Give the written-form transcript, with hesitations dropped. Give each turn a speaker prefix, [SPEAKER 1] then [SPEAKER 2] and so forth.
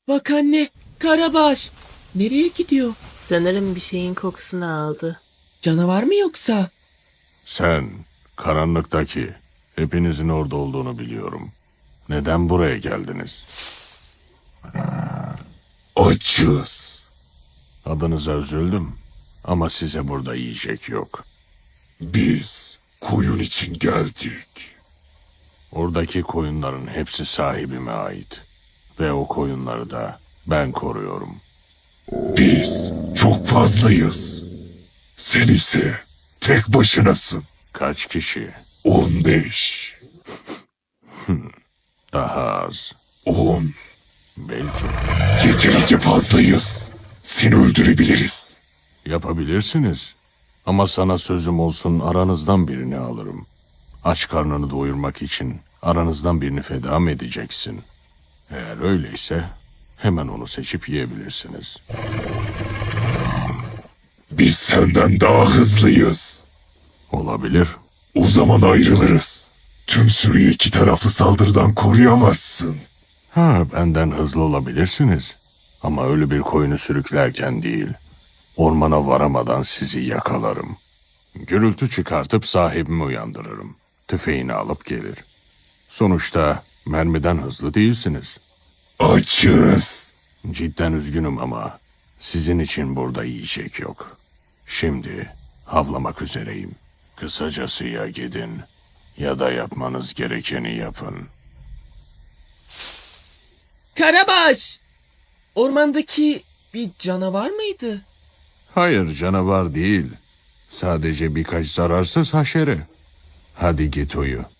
[SPEAKER 1] Bak anne, Karabaş. Nereye gidiyor?
[SPEAKER 2] Sanırım bir şeyin kokusunu aldı.
[SPEAKER 1] Canavar mı yoksa?
[SPEAKER 3] Sen, karanlıktaki, hepinizin orada olduğunu biliyorum. Neden buraya geldiniz?
[SPEAKER 4] Açız.
[SPEAKER 3] Adınıza üzüldüm ama size burada yiyecek yok.
[SPEAKER 4] Biz koyun için geldik.
[SPEAKER 3] Oradaki koyunların hepsi sahibime ait. Ve o koyunları da ben koruyorum.
[SPEAKER 4] Biz çok fazlayız. Sen ise tek başınasın.
[SPEAKER 3] Kaç kişi?
[SPEAKER 4] 15,
[SPEAKER 3] Daha az.
[SPEAKER 4] 10.
[SPEAKER 3] Belki.
[SPEAKER 4] Yeterince fazlayız. Seni öldürebiliriz.
[SPEAKER 3] Yapabilirsiniz. Ama sana sözüm olsun, aranızdan birini alırım. Aç karnını doyurmak için aranızdan birini feda mı edeceksin? Eğer öyleyse hemen onu seçip yiyebilirsiniz.
[SPEAKER 4] Biz senden daha hızlıyız.
[SPEAKER 3] Olabilir.
[SPEAKER 4] O zaman ayrılırız. Tüm sürüyü iki taraflı saldırıdan koruyamazsın.
[SPEAKER 3] Benden hızlı olabilirsiniz. Ama ölü bir koyunu sürüklerken değil, ormana varamadan sizi yakalarım. Gürültü çıkartıp sahibimi uyandırırım. Tüfeğini alıp gelir. Sonuçta mermiden hızlı değilsiniz.
[SPEAKER 4] Açız.
[SPEAKER 3] Cidden üzgünüm ama sizin için burada yiyecek yok. Şimdi havlamak üzereyim. Kısacası ya gidin ya da yapmanız gerekeni yapın.
[SPEAKER 1] Karabaş! Ormandaki bir canavar mıydı?
[SPEAKER 3] Hayır, canavar değil. Sadece birkaç zararsız haşere. Hadi git uyu.